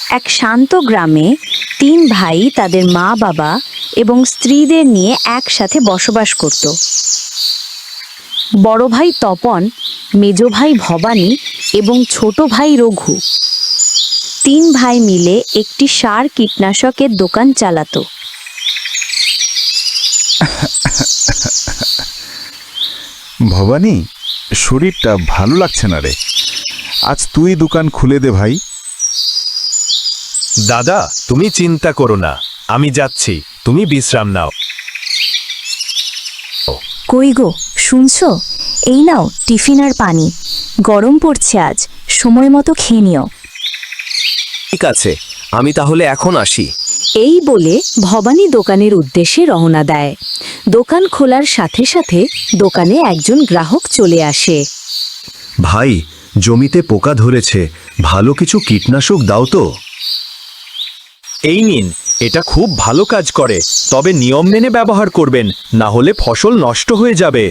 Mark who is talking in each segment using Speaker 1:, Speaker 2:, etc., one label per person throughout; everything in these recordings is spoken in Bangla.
Speaker 1: এক শান্ত গ্রামে তিন ভাই তাদের মা বাবা এবং স্ত্রীদের নিয়ে একসাথে বসবাস করত। বড় ভাই তপন, মেজ ভাই ভবানী এবং ছোট ভাই রঘু তিন ভাই মিলে একটি সার কীটনাশকের দোকান চালাতো।
Speaker 2: ভবানী, শরীরটা ভালো লাগছে না রে। আজ তুই দোকান খুলে দে ভাই।
Speaker 3: দাদা, তুমি চিন্তা করো না, আমি যাচ্ছি, তুমি বিশ্রাম নাও।
Speaker 1: কই গো, শুনছো? এই নাও টিফিন আর পানি, গরম পড়ছে আজ, সময় মতো খেয়ে নিও।
Speaker 3: ঠিক আছে, আমি তাহলে এখন আসি।
Speaker 1: এই বলে ভবানী দোকানের উদ্দেশ্যে রওনা দেয়। দোকান খোলার সাথে সাথে দোকানে একজন গ্রাহক চলে আসে।
Speaker 3: ভাই, জমিতে পোকা ধরেছে, ভালো কিছু কীটনাশক দাও তো। এই নিন, এটা খুব ভালো কাজ করে, তবে নিয়ম মেনে ব্যবহার করবেন, না হলে ফসল নষ্ট হয়ে যাবে।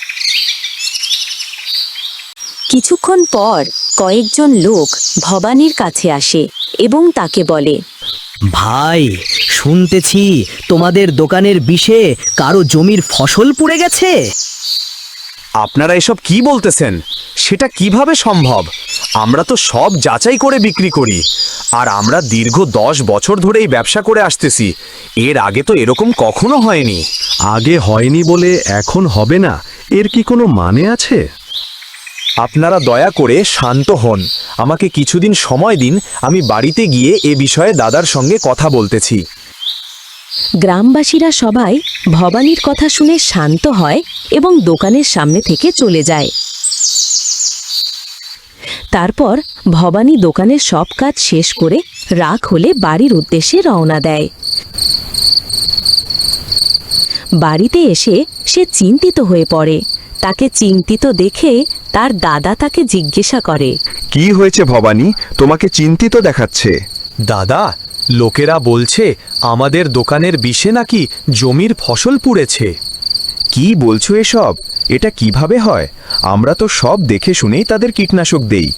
Speaker 1: কিছুক্ষণ পর কয়েকজন লোক ভবানীর কাছে আসে এবং তাকে বলে,
Speaker 4: ভাই, শুনতেছি তোমাদের দোকানের বিষে কারো জমির ফসল পুড়ে গেছে।
Speaker 3: আপনারা এসব কি বলতেছেন? সেটা কিভাবে সম্ভব? আমরা তো সব যাচাই করে বিক্রি করি, আর আমরা দীর্ঘ 10 বছর ধরে এই ব্যবসা করে আসতেছি। এর আগে তো এরকম কখনো হয়নি।
Speaker 5: আগে হয়নি বলে এখন হবে না, এর কি কোনো মানে আছে?
Speaker 3: আপনারা দয়া করে শান্ত হন, আমাকে কিছুদিন সময় দিন, আমি বাড়িতে গিয়ে এ বিষয়ে দাদার সঙ্গে কথা বলতেছি।
Speaker 1: গ্রামবাসীরা সবাই ভবানীর কথা শুনে শান্ত হয় এবং দোকানের সামনে থেকে চলে যায়। তারপর ভবানী দোকানের সব কাজ শেষ করে রাত হলে বাড়ির উদ্দেশ্যে রওনা দেয়। বাড়িতে এসে সে চিন্তিত হয়ে পড়ে। তাকে চিন্তিত দেখে তার দাদা তাকে জিজ্ঞাসা করে,
Speaker 2: কি হয়েছে ভবানী, তোমাকে চিন্তিত দেখাচ্ছে?
Speaker 3: দাদা, লোকেরা বলছে আমাদের দোকানের বিষে নাকি জমির ফসল পুড়েছে।
Speaker 2: কি বলছো এসব? এটা কিভাবে হয়? আমরা তো সব দেখে শুনেই তাদের কীটনাশক দেই।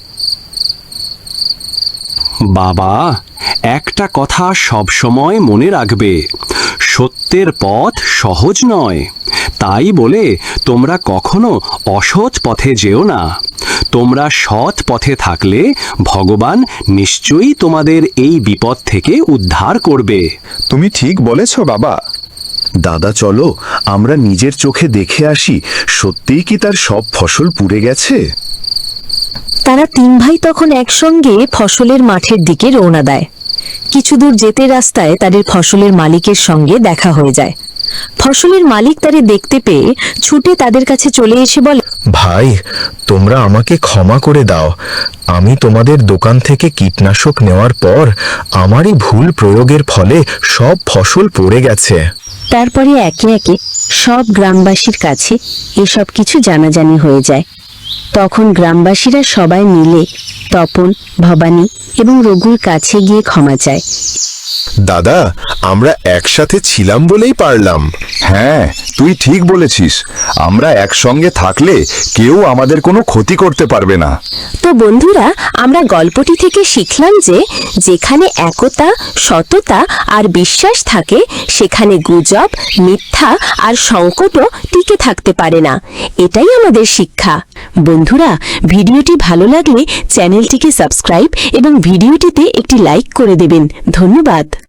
Speaker 5: বাবা, একটা কথা সবসময় মনে রাখবে, সত্যের পথ সহজ নয়। তাই বলে তোমরা কখনো অসৎ পথে যেও না। তোমরা সৎ পথে থাকলে ভগবান নিশ্চয়ই তোমাদের এই বিপদ থেকে উদ্ধার করবে।
Speaker 2: তুমি ঠিক বলেছ বাবা।
Speaker 6: দাদা, চলো আমরা নিজের চোখে দেখে আসি, সত্যিই কি তার সব ফসল পুড়ে গেছে?
Speaker 1: তারা তিন ভাই তখন একসঙ্গে ফসলের মাঠের দিকে রওনা দেয়। কিছু দূর যেতে রাস্তায় তাদের ফসলের মালিকের সঙ্গে দেখা হয়ে যায়। ফসলের মালিক তাদের দেখতে পেয়ে ছুটে তাদের কাছে চলে এসে বলে,
Speaker 6: ভাই, তোমরা আমাকে ক্ষমা করে দাও। আমি তোমাদের দোকান থেকে কীটনাশক নেওয়ার পর আমারই ভুল প্রয়োগের ফলে সব ফসল পড়ে গেছে।
Speaker 1: তারপরে একে একে সব গ্রামবাসীর কাছে এসব কিছু জানাজানি হয়ে যায়। তখন গ্রামবাসীরা সবাই মিলে তপন, ভবানী এবং রঘুর কাছে গিয়ে ক্ষমা চায়।
Speaker 6: দাদা, আমরা একসাথে ছিলাম বলেই পারলাম।
Speaker 2: হ্যাঁ, তুই ঠিক বলেছিস। আমরা একসঙ্গে থাকলে কেউ আমাদের কোনো ক্ষতি করতে পারবে না।
Speaker 1: তো বন্ধুরা, আমরা গল্পটি থেকে শিখলাম যে যেখানে একতা, সততা আর বিশ্বাস থাকে সেখানে গুজব, মিথ্যা আর সংকটও টিকে থাকতে পারে না। এটাই আমাদের শিক্ষা। বন্ধুরা, ভিডিওটি ভালো লাগলে চ্যানেলটিকে সাবস্ক্রাইব এবং ভিডিওটিতে একটি লাইক করে দেবেন। ধন্যবাদ।